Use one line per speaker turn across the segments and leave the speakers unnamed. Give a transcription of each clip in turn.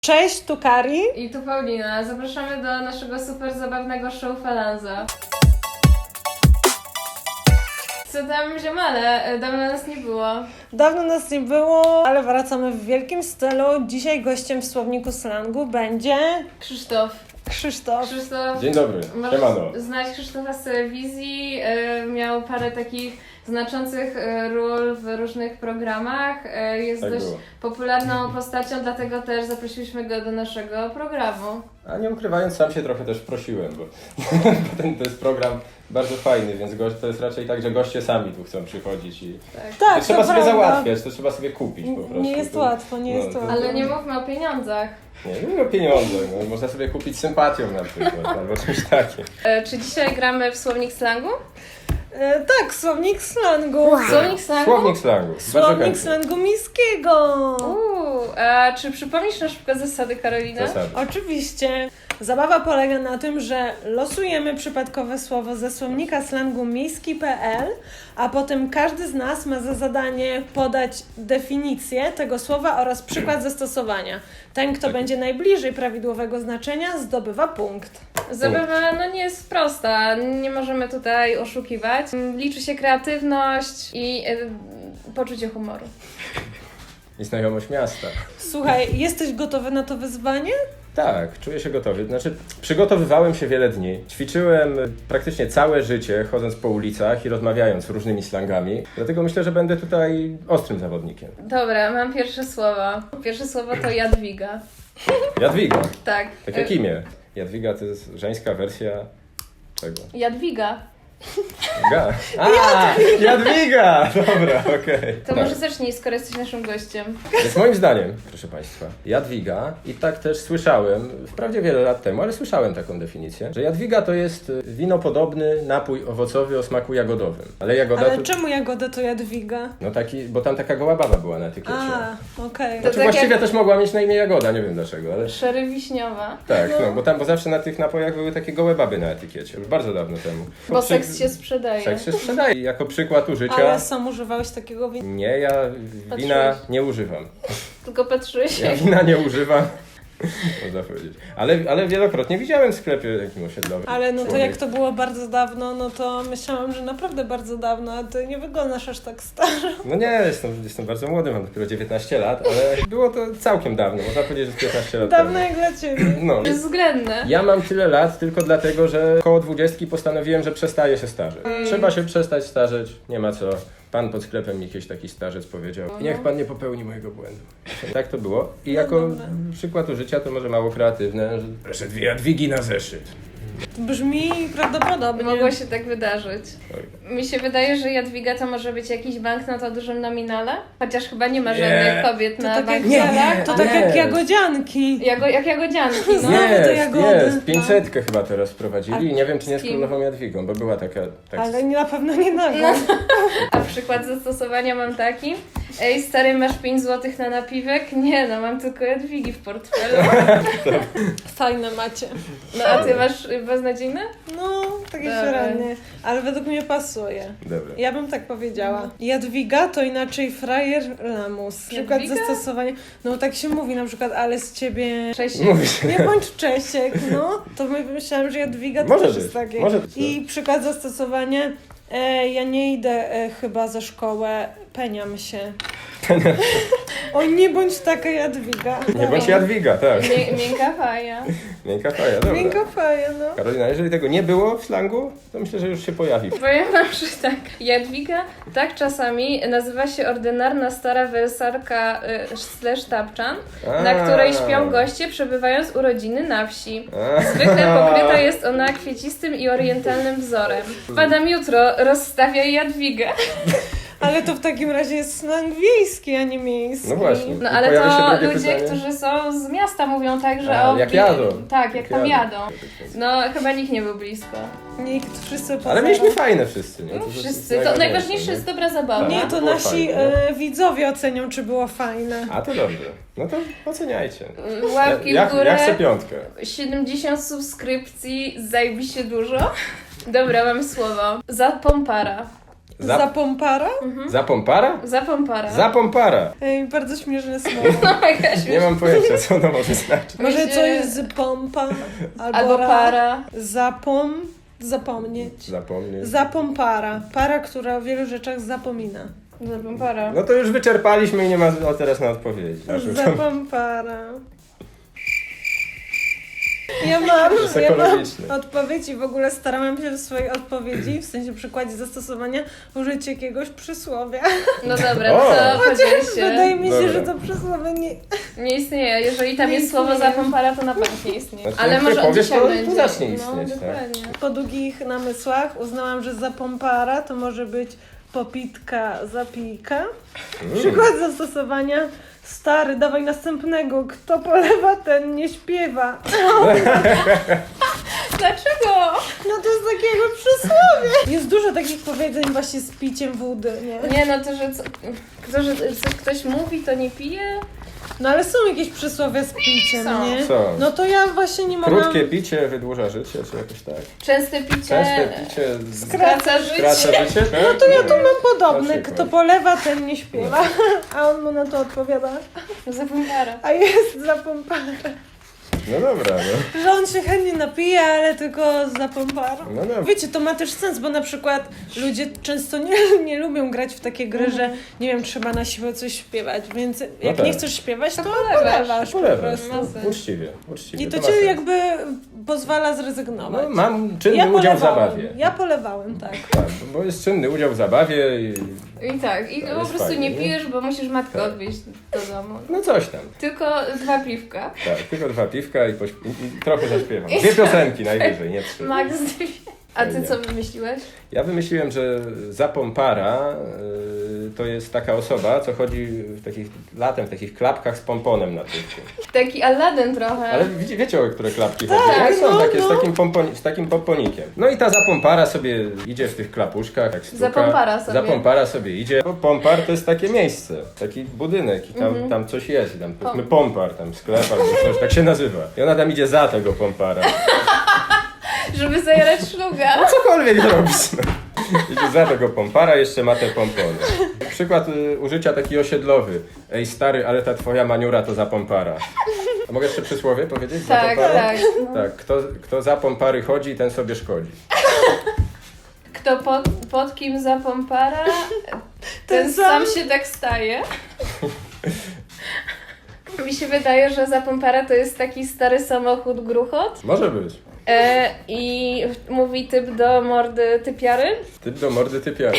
Cześć, tu Kari.
I tu Paulina. Zapraszamy do naszego super zabawnego show Falanza. Co tam, ziomale? Dawno nas nie było.
Dawno nas nie było, ale wracamy w wielkim stylu. Dzisiaj gościem w Słowniku Slangu będzie
Krzysztof.
Krzysztof.
Dzień dobry, siemano.
Znać Krzysztofa z telewizji. Miał parę takich znaczących ról w różnych programach. Jest
Tak
dość
było.
popularną postacią, dlatego też zaprosiliśmy go do naszego programu.
A nie ukrywając, sam się trochę też prosiłem, bo to jest program bardzo fajny, więc to jest raczej tak, że goście sami tu chcą przychodzić i
Tak,
to trzeba
to
sobie
prawda.
załatwiać, to trzeba sobie kupić po prostu.
Nie jest łatwo, nie jest łatwo.
Ale nie mówmy o pieniądzach.
Nie mówię o pieniądzach, no, można sobie kupić sympatią na przykład, albo czymś takim.
Czy dzisiaj gramy w Słownik Slangu?
Tak, Słownik Slangu.
Słownik Slangu?
Słownik slangu, bardzo
Słownik
chętnie.
Slangu miejskiego.
A czy przypomnisz na szybko zasady, Karolina?
Zasady.
Oczywiście. Zabawa polega na tym, że losujemy przypadkowe słowo ze słownika slangu miejski.pl, a potem każdy z nas ma za zadanie podać definicję tego słowa oraz przykład zastosowania. Ten, kto będzie najbliżej prawidłowego znaczenia, zdobywa punkt.
Zabawa nie jest prosta, nie możemy tutaj oszukiwać. Liczy się kreatywność i poczucie humoru.
I znajomość miasta.
Słuchaj, jesteś gotowy na to wyzwanie?
Tak, czuję się gotowy. Znaczy, przygotowywałem się wiele dni. Ćwiczyłem praktycznie całe życie, chodząc po ulicach i rozmawiając różnymi slangami. Dlatego myślę, że będę tutaj ostrym zawodnikiem.
Dobra, mam pierwsze słowo. Pierwsze słowo to Jadwiga.
Jadwiga.
Tak.
Tak jak imię. Jadwiga to jest żeńska wersja czego?
Jadwiga.
Jadwiga! Dobra, okej.
To
Tak.
może zacznij, skoro jesteś naszym gościem.
Więc moim zdaniem, proszę Państwa, Jadwiga, i tak też słyszałem, wprawdzie wiele lat temu, ale słyszałem taką definicję, że Jadwiga to jest winopodobny napój owocowy o smaku jagodowym. Ale jagoda
Ale
to...
czemu Jagoda to Jadwiga?
No taki, bo tam taka goła baba była na etykiecie.
Okej.
To
Znaczy
tak
właściwie
jak-
też mogła mieć na imię Jagoda, nie wiem dlaczego, ale...
Szery wiśniowa.
Tak, no, bo zawsze na tych napojach były takie gołe baby na etykiecie, już bardzo dawno temu.
Bo seks się sprzedaje.
Seks się sprzedaje. Jako przykład użycia...
Ale sam używałeś takiego wina?
Nie, ja wina
Patrzyłeś.
nie używam.
Tylko patrzyłeś.
Ja wina nie używam. Można powiedzieć. Ale wielokrotnie widziałem w sklepie jakim osiedlowym.
Ale no to jak to było bardzo dawno, no to myślałam, że naprawdę bardzo dawno, a ty nie wyglądasz aż tak staro.
No nie, jestem bardzo młody, mam dopiero 19 lat, ale było to całkiem dawno, można powiedzieć, że 15 lat
Dawno
temu.
jak dla ciebie.
No.
Bezwzględne.
Ja mam tyle lat tylko dlatego, że koło 20 postanowiłem, że przestaję się starzeć. Trzeba się przestać starzeć, nie ma co. Pan pod sklepem mi jakiś taki starzec powiedział. Niech pan nie popełni mojego błędu. Tak to było. I jako
dobra.
przykład użycia to może mało kreatywne, że proszę 2 Jadwigi na zeszyt.
To brzmi prawdopodobnie.
Mogło się tak wydarzyć.
Oj.
Mi się wydaje, że Jadwiga to może być jakiś banknot o dużym nominale, chociaż chyba nie ma
Nie.
żadnych kobiet
To
na
tak jak,
banknotach.
to tak jak
Nie.
jagodzianki.
Jak jagodzianki, no.
Znowu te jagody.
Jest. 500 chyba teraz wprowadzili i nie wiem, czy nie z
z kim?
królową Jadwigą, bo była taka... Tak,
Ale na pewno nie nagą.
No. A przykład zastosowania mam taki. Ej, stary, masz 5 zł na napiwek? Nie, no mam tylko Jadwigi w portfelu.
Fajne macie.
No a ty masz beznadziejne?
No, takie
Dobra.
średnie. Ale według mnie pasuje.
Dobra.
Ja bym tak powiedziała. Jadwiga to inaczej frajer lamus. Przykład
Jadwiga?
zastosowania. No tak się mówi na przykład, ale z ciebie...
Cześć.
Mówi się.
Nie bądź Czesiek, no. To myślałam, że Jadwiga to
Może
też
być,
jest takie.
może być,
I przykład zastosowania. Ja nie idę chyba za szkołę, peniam się. Oj, nie bądź taka Jadwiga.
Nie bądź Jadwiga, tak.
Miękka faja.
Miękka faja, dobra.
Miękka faja, no.
Karolina, jeżeli tego nie było w slangu, to myślę, że już się pojawi.
Powiem wam, że tak. Jadwiga tak czasami nazywa się ordynarna stara wersarka / tapczan, na której śpią goście przebywając urodziny na wsi. Zwykle pokryta jest ona kwiecistym i orientalnym wzorem. Wpadam jutro, rozstawiaj Jadwigę.
Ale to w takim razie jest slang wiejski, a nie miejski.
No właśnie.
No
I
ale
pojawia się
to
drugie
ludzie,
pytanie.
którzy są z miasta mówią tak, że
A, jak jadą.
Tak, jak tam jadą.
jadą.
No chyba nikt nie był blisko.
Nikt, wszyscy poza.
Ale mieliśmy fajne wszyscy, nie?
No,
To
wszyscy. To
najważniejsze,
najważniejsze
nie?
jest dobra zabawa.
Nie,
Tak.
to
Było
nasi
fajne,
widzowie ocenią, czy było fajne.
A to dobrze. No to oceniajcie.
Łapki
Jak,
w górę.
jak chcę 5?
70 subskrypcji, zajebiście dużo. Dobra, mam słowo. Zapompara.
Zapompara?
Zapompara?
Zapompara.
Zapompara.
Ej, bardzo śmieszne słowo.
No mega
Nie mam pojęcia, co ono może znaczyć.
Może
Myślę-
co jest pompa?
Albo para.
Zapomnieć.
Zapomnieć.
Zapompara. Para, która o wielu rzeczach zapomina.
Zapompara.
No to już wyczerpaliśmy i nie ma teraz na odpowiedzi.
Zapompara. Ja mam
ekologiczne.
odpowiedź i w ogóle starałam się w swojej odpowiedzi, w sensie przykładzie zastosowania, użyć jakiegoś przysłowia.
No dobra,
O!
to podziel się.
Wydaje mi się,
Dobra.
że to przysłowie nie...
Nie istnieje. Jeżeli tam
Nie
jest słowo
istnieje.
zapompara, to na pewno nie istnieje.
Znaczy,
Ale
jak
może
ty
od
powiesz,
dzisiaj
to
będzie.
zacznie
No,
istnieć, tak.
dokładnie.
Po długich namysłach uznałam, że zapompara to może być popitka, zapijka. Przykład zastosowania. Stary, dawaj następnego. Kto polewa, ten nie śpiewa.
Dlaczego?
No to jest takiego przysłowie. Jest dużo takich powiedzeń właśnie z piciem wody, nie?
Nie, no to, że co ktoś mówi, to nie pije?
No ale są jakieś przysłowie z piciem,
Są.
nie?
Są.
No to ja właśnie nie mogłam...
Krótkie picie wydłuża życie, czy jakoś tak?
Częste picie
Częste picie
skraca życie.
skraca życie, tak?
No to ja tu mam podobne.
Na przykład.
Kto polewa, ten nie śpiewa. A on mu na to odpowiada.
Zapompara.
A jest zapompara.
No dobra, no.
Że on się chętnie napije, ale tylko zapomparą.
No dobra.
Wiecie, to ma też sens, bo na przykład ludzie często nie lubią grać w takie gry, że nie wiem, trzeba na siłę coś śpiewać, więc jak
tak.
nie chcesz śpiewać, to
polewasz.
polewasz po
Polewasz.
prostu.
Ma sens.
Uczciwie.
I
to
to
ma
cię
sens.
jakby pozwala zrezygnować.
No, mam czynny udział w zabawie.
Ja polewałem, tak.
Tak, bo jest czynny udział w zabawie i
I tak, i
To
po
jest
prostu
fajnie,
nie
nie?
pijesz, bo musisz matkę
Tak.
odwieźć do domu.
no coś tam.
Tylko 2 piwka.
Tak, tylko 2 piwka i trochę zaśpiewam. 2 piosenki najwyżej, nie 3.
Max 2. A ty co wymyśliłeś?
Ja wymyśliłem, że zapompara to jest taka osoba, co chodzi latem w takich klapkach z pomponem na tyłku.
Taki Aladdin trochę.
Ale wiecie, o które klapki chodzi? Tak, są
no,
takie
no.
z takim pomponikiem. No i ta zapompara sobie idzie w tych klapuszkach, jak sztuka.
Zapompara sobie.
Zapompara sobie idzie. Bo pompar to jest takie miejsce, taki budynek i tam coś jest. I tam powiedzmy pompar, tam sklep albo coś, tak się nazywa. I ona tam idzie za tego pompara.
Żeby zajarać szluga.
No cokolwiek robisz. No. Idzie za tego pompara, jeszcze ma te pompony. Przykład użycia taki osiedlowy. Ej stary, ale ta twoja maniura to za pompara. A mogę jeszcze przysłowie powiedzieć? Za
Tak,
pompara?
tak.
Tak, kto za pompary chodzi, ten sobie szkodzi.
Kto pod kim zapompara, ten sam się tak staje. Mi się wydaje, że zapompara to jest taki stary samochód gruchot.
Może być.
I mówi typ do mordy typiary.
Typ do mordy typiary.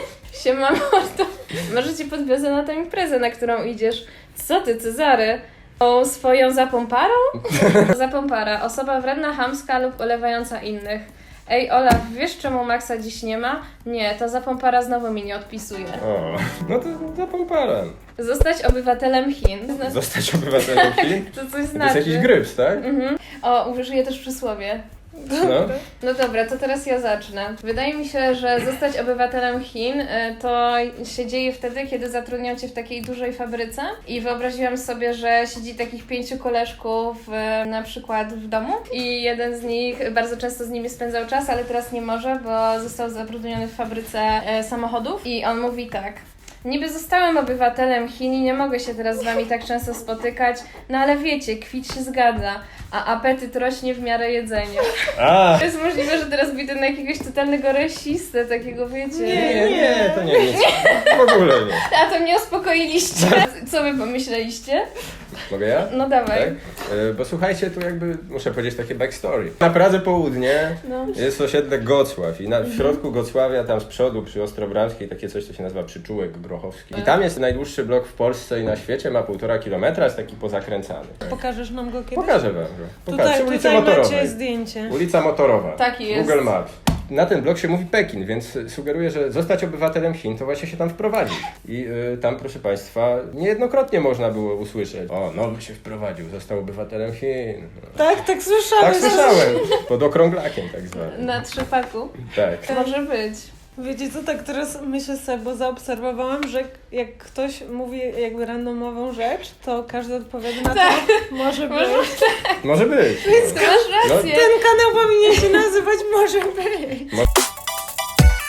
Siema mordo. Może cię podwiozę na tę imprezę, na którą idziesz. Co ty, Cezary? O swoją zapomparą? Zapompara. Osoba wredna, chamska lub olewająca innych. Ej Olaf, wiesz czemu Maxa dziś nie ma? Nie, to zapompara znowu mi nie odpisuje.
O, no to za pompara.
Zostać obywatelem Chin.
Zostać obywatelem Chin?
To coś
To jest
znaczy.
jakiś gryps, tak?
O, użyję też przysłowie.
No.
No dobra, to teraz ja zacznę. Wydaje mi się, że zostać obywatelem Chin to się dzieje wtedy, kiedy zatrudnią cię w takiej dużej fabryce i wyobraziłam sobie, że siedzi takich 5 koleżków na przykład w domu i jeden z nich bardzo często z nimi spędzał czas, ale teraz nie może, bo został zatrudniony w fabryce samochodów i on mówi tak. Niby zostałem obywatelem Chin i nie mogę się teraz z wami tak często spotykać, no ale wiecie, kwit się zgadza, a apetyt rośnie w miarę jedzenia.
A!
To jest możliwe, że teraz widzę na jakiegoś totalnego rasistę, takiego wiecie.
Nie, to nie nic. W ogóle nie.
A to mnie uspokoiliście. Co wy pomyśleliście?
Mogę ja?
No dawaj.
Tak? Bo słuchajcie, tu jakby muszę powiedzieć takie backstory. Na Pradze Południe
No.
jest osiedle Gocław i w środku Gocławia, tam z przodu przy Ostrobramskiej, takie coś, co się nazywa Przyczółek Grochowski. I tam jest najdłuższy blok w Polsce i na świecie, ma 1,5 kilometra, jest taki pozakręcany.
Pokażesz nam go kiedyś?
Pokażę wam go. Pokażę. Ulica
Tutaj macie
Motorowej.
zdjęcie.
Ulica Motorowa.
Taki jest.
Google Maps. Na ten blok się mówi Pekin, więc sugeruję, że zostać obywatelem Chin to właśnie się tam wprowadzić. I tam, proszę Państwa, niejednokrotnie można było usłyszeć: o, nowy się wprowadził, został obywatelem Chin.
Tak słyszałem.
Tak słyszałem. Pod okrąglakiem tak zwanym.
Na trzepaku.
Tak.
Może być.
Wiecie co, tak teraz myślę sobie, bo zaobserwowałam, że jak ktoś mówi jakby randomową rzecz, to każdy odpowiada na to, może być.
Może być.
Ty masz rację.
Ten kanał powinien się nazywać Może być.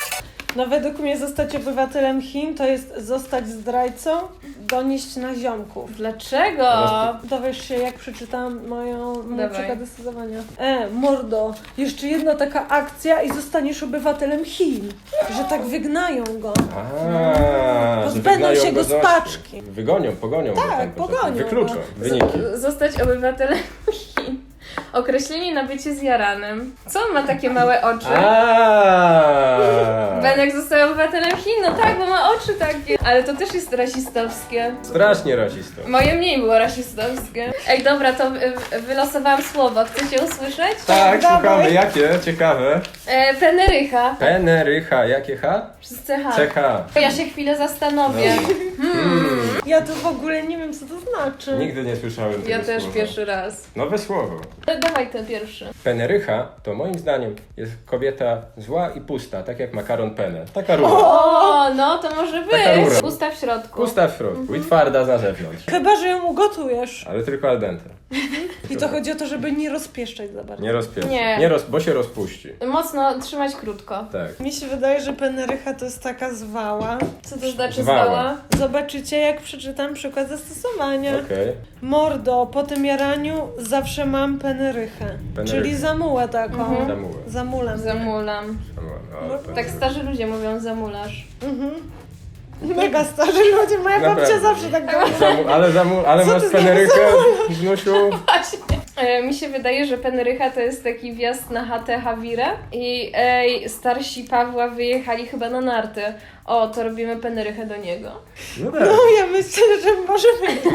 No według mnie zostać obywatelem Chin to jest zostać zdrajcą, donieść na ziomków.
Dlaczego?
Dowiesz się, jak przeczytam mój
Dawaj.
przykład decydowania. Mordo, jeszcze jedna taka akcja i zostaniesz obywatelem Chin. Że tak wygnają go.
Że
Pozbędą
wygnają
się go z
z
paczki.
Pogonią go
Tak,
tam,
pogonią
wykluczą
go.
wyniki.
Zostać obywatelem Chin. Określenie na bycie zjaranym. Co on ma takie małe oczy? Benek został obywatelem Chin, no tak, bo ma oczy takie. Ale to też jest rasistowskie.
Strasznie rasistą.
Moje mniej było rasistowskie. Ej, dobra, to wylosowałam słowo. Chcecie usłyszeć?
Tak,
Dawaj.
słuchamy, jakie? Ciekawe.
Penerycha.
Penerycha, jakie H?
Przez CH.
CH.
Ja się chwilę zastanowię.
Ja to w ogóle nie wiem, co to znaczy.
Nigdy nie słyszałem tego
Ja też
słowa.
pierwszy raz.
Nowe słowo.
Dawaj ten pierwszy.
Penerycha to moim zdaniem jest kobieta zła i pusta, tak jak makaron penne. Taka rura.
O, no to może
Taka rura.
być. Pusta w środku.
Pusta w środku i twarda na zewnątrz.
Chyba, że ją ugotujesz.
Ale tylko al dente.
I to chodzi o to, żeby nie rozpieszczać za bardzo.
Nie rozpieszy.
Nie.
Bo się rozpuści.
Mocno trzymać krótko.
Tak.
Mi się wydaje, że penerycha to jest taka zwała.
Co to znaczy
Zwała.
zwała?
Zobaczycie, jak przeczytam przykład zastosowania.
Okej.
Mordo, po tym jaraniu zawsze mam penerychę.
Penerychę.
Czyli zamułę taką.
Zamułę.
Zamulam.
Zamulam.
O,
Tak starzy ludzie mówią zamulasz.
Mega starzy ludzie, moja babcia
Naprawdę.
zawsze tak mówi.
Ale
Co
masz
ty
penerykę, Znusiu?
Mi się wydaje, że penerycha to jest taki wjazd na chatę Hawirę i starsi Pawła wyjechali chyba na narty. O, to robimy penerychę do niego.
No tak.
No ja myślę, że może być.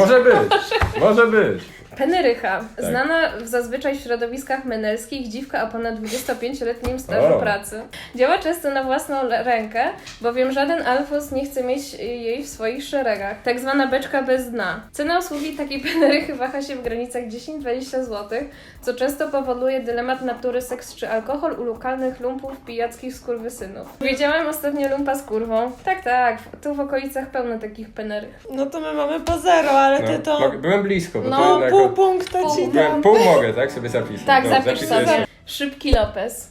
Może być.
Penerycha.
Tak.
Znana zazwyczaj w środowiskach menelskich, dziwka o ponad 25-letnim stażu
O.
pracy. Działa często na własną rękę, bowiem żaden alfos nie chce mieć jej w swoich szeregach. Tak zwana beczka bez dna. Cena usługi takiej penerychy waha się w granicach 10-20 zł, co często powoduje dylemat natury seks czy alkohol u lokalnych lumpów pijackich skurwysynów. Widziałem ostatnio lumpa z kurwą. Tak, tu w okolicach pełno takich penerych.
No to my mamy po zero, ale ty to
Byłem blisko, bo
No,
to jednak...
pół punkta ci dam.
Pół mogę, tak? Sobie zapisać.
Tak,
No,
zapisz
zapisuję
sobie. Szybki Lopez.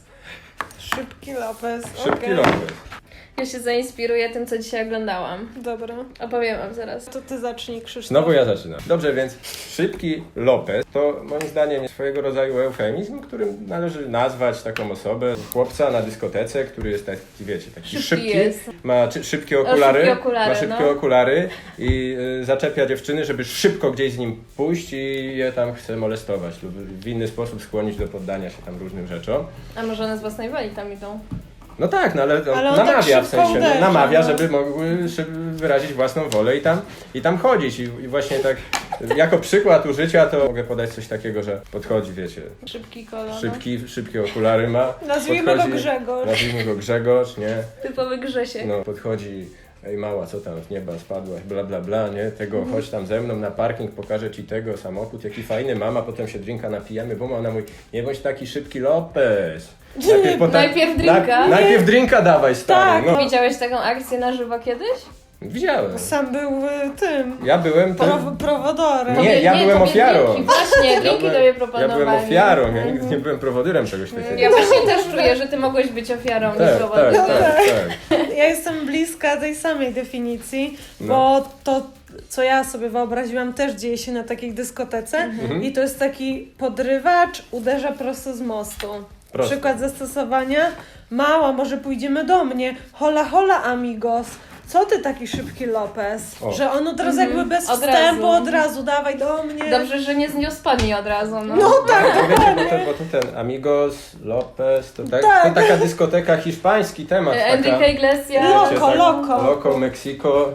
Szybki Lopez.
Szybki
okej.
Lopez.
Ja się zainspiruję tym, co dzisiaj oglądałam.
Dobra.
Opowiem wam zaraz.
To ty zacznij, Krzysztof.
Znowu ja zaczynam. Dobrze, więc Szybki Lopez to moim zdaniem jest swojego rodzaju eufemizm, którym należy nazwać taką osobę, chłopca na dyskotece, który jest taki, wiecie, taki szybki,
jest.
ma szybkie okulary,
szybkie okulary,
okulary i zaczepia dziewczyny, żeby szybko gdzieś z nim pójść i je tam chce molestować lub w inny sposób skłonić do poddania się tam różnym rzeczom.
A może one z własnej woli tam idą?
No tak, no ale
Ale on
namawia
tak
w sensie,
szybko uderza,
namawia,
no.
żeby mogły wyrazić własną wolę i tam chodzić. I właśnie tak jako przykład użycia to mogę podać coś takiego, że podchodzi, wiecie,
Szybki kolor.
szybkie okulary ma.
Nazwijmy go Grzegorz.
Nazwijmy go Grzegorz, nie?
Typowy Grzesiek.
No, podchodzi, ej mała, co tam z nieba spadłaś, bla bla bla, nie? Tego, chodź tam ze mną na parking, pokażę ci tego, samochód, jaki fajny, mama, potem się drinka napijemy, bo ona mówi, nie bądź taki szybki Lopez.
Najpierw drinka.
Najpierw drinka dawaj, stary.
Tak.
No.
Widziałeś taką akcję na żywo kiedyś?
Widziałem.
Sam był tym.
Ja byłem tym...
Prowodorem.
Nie, ja byłem
tobie
ofiarą.
Drinki, właśnie, drinki tobie
Ja
proponowali.
byłem ofiarą, ja nigdy nie byłem prowodyrem czegoś takiego.
Ja właśnie też czuję, że ty mogłeś być ofiarą niż
Tak,
prowodyrem.
tak.
Ja jestem bliska tej samej definicji,
No.
bo to, co ja sobie wyobraziłam, też dzieje się na takiej dyskotece i to jest taki podrywacz, uderza prosto z mostu.
Prosto.
Przykład zastosowania. Mała, może pójdziemy do mnie. Hola, hola, amigos. Co ty taki szybki Lopez?
O.
Że on od razu jakby bez
Od
wstępu,
razu.
od razu dawaj do mnie.
Dobrze, że nie zniósł spodni od razu. No.
No tak,
To wiecie, bo to ten Amigos, Lopez, to taka dyskoteka, hiszpański temat.
Enrique Iglesias.
Loco,
wiecie, tak,
loco.
Loco, Mexico.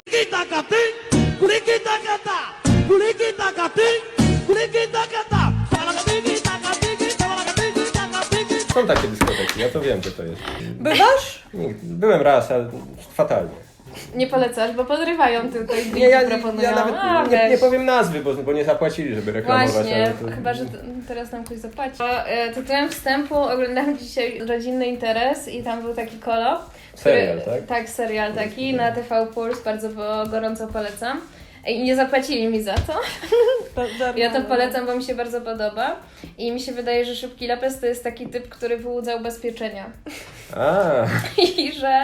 Są takie dyskoteki, ja to wiem, że to jest.
Bywasz?
Byłem raz, ale fatalnie.
Nie polecasz, bo podrywają tutaj drinki,
Nie, ja
proponują.
nawet
A,
nie
weź.
powiem nazwy, bo nie zapłacili, żeby reklamować.
Właśnie,
ale to...
chyba, że teraz nam ktoś zapłaci. Tytułem wstępu oglądałam dzisiaj Rodzinny Interes i tam był taki kolo.
Serial, tak?
Tak, serial taki na TV Puls, bardzo gorąco polecam. I nie zapłacili mi za to. Ja to
Darmowe.
polecam, bo mi się bardzo podoba. I mi się wydaje, że Szybki Lopez to jest taki typ, który wyłudza ubezpieczenia.
A,
I że...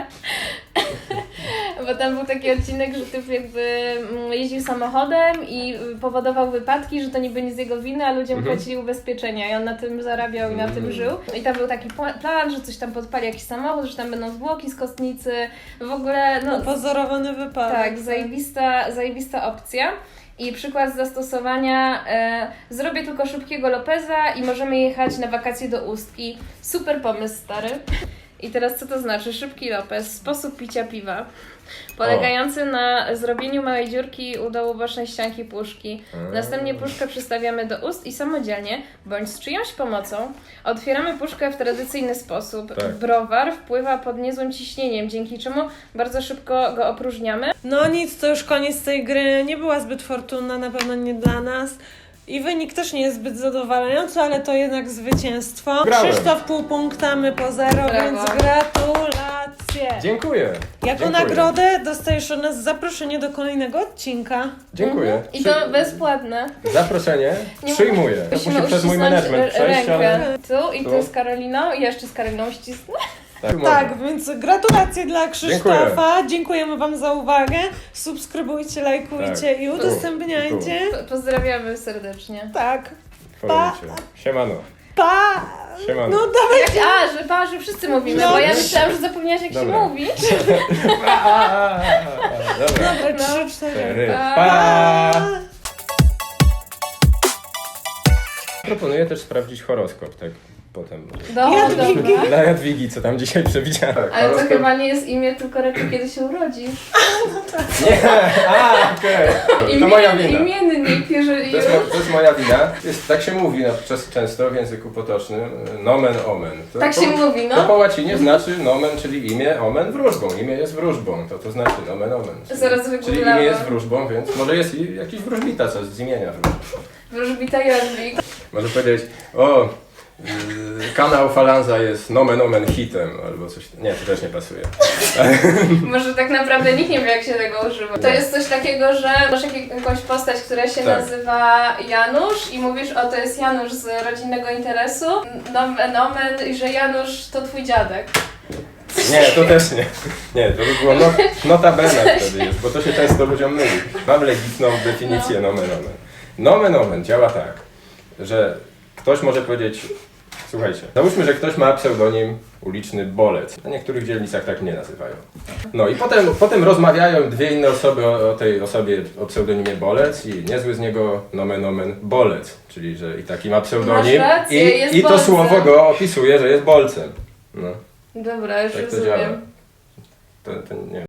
Bo tam był taki odcinek, że typ jakby jeździł samochodem i powodował wypadki, że to niby nie z jego winy, a ludziom płacili ubezpieczenia i on na tym zarabiał i na tym żył. I tam był taki plan, że coś tam podpali jakiś samochód, że tam będą zwłoki z kostnicy. W ogóle, no...
Pozorowany wypadek.
Tak, zajebista opcja. I przykład zastosowania, zrobię tylko Szybkiego Lopeza i możemy jechać na wakacje do Ustki. Super pomysł, stary. I teraz co to znaczy? Szybki Lopez, sposób picia piwa. Polegający na zrobieniu małej dziurki u dołu bocznej ścianki puszki. Następnie puszkę przystawiamy do ust i samodzielnie, bądź z czyjąś pomocą, otwieramy puszkę w tradycyjny sposób.
Tak.
Browar wpływa pod niezłym ciśnieniem, dzięki czemu bardzo szybko go opróżniamy.
No nic, to już koniec tej gry. Nie była zbyt fortunna, na pewno nie dla nas. I wynik też nie jest zbyt zadowalający, ale to jednak zwycięstwo.
Grałem.
Krzysztof pół punkta, my po 0,
Brawo.
więc gratulacje.
dziękuję.
Jako
Dziękuję.
nagrodę dostajesz od nas zaproszenie do kolejnego odcinka.
Dziękuję.
I to bezpłatne.
Zaproszenie
Nie
przyjmuję. To
Musimy
musi przez mój
uścisnąć
management przejść,
rękę.
ale...
Tu i
Tu.
tu z Karoliną i jeszcze z Karoliną ścisnę.
Tak, więc gratulacje dla Krzysztofa. Dziękujemy Wam za uwagę. Subskrybujcie, lajkujcie
Tak.
i udostępniajcie.
Pozdrawiamy serdecznie.
Tak.
Followujcie. Siemano.
Pa!
Siemano.
No dawaj.
Że wszyscy mówimy,
No.
bo ja myślałam, że zapomniałaś jak się
Dobra.
mówi.
Dobra.
Dobra, 3, 4.
4.
Pa.
Pa! Proponuję też sprawdzić horoskop, tak potem.
Jadwigi.
Dobra.
Dla Jadwigi, co tam dzisiaj przewidziałem.
Ale to chyba nie jest imię, tylko raczej kiedy się urodzi.
Nie! Okej. To moja wina.
Imiennik, jeżeli...
To jest moja wina. Tak się mówi często w języku potocznym. Nomen omen.
Tak się mówi,
To
no.
po łacinie znaczy nomen, czyli imię, omen wróżbą. Imię jest wróżbą, to znaczy nomen omen.
Zaraz
Czyli
wygooglałam.
imię jest wróżbą, więc może jest i jakiś wróżbita, co z imienia wróżby.
Wróżbita Jadwig.
Może powiedzieć, kanał Falanza jest nomen omen hitem, albo coś. Nie, to też nie pasuje.
Może tak naprawdę nikt nie wie, jak się tego używa. To jest coś takiego, że masz jakąś postać, która się
Tak.
nazywa Janusz i mówisz, o to jest Janusz z rodzinnego interesu, nomen omen, i że Janusz to twój dziadek.
Nie, to też nie. Nie, to by było notabene wtedy już, bo to się często ludziom myli. Mam legitną definicję nomen omen. Nomen omen działa tak, że ktoś może powiedzieć, słuchajcie, załóżmy, że ktoś ma pseudonim uliczny Bolec. Na niektórych dzielnicach tak nie nazywają. No i potem rozmawiają dwie inne osoby o tej osobie o pseudonimie Bolec i niezły z niego nomen omen Bolec, czyli że i taki ma pseudonim
Masz rację, jest
i to
bolcem.
słowo go opisuje, że jest bolcem. No,
Dobra, już
tak to
rozumiem.
działa. To nie wiem.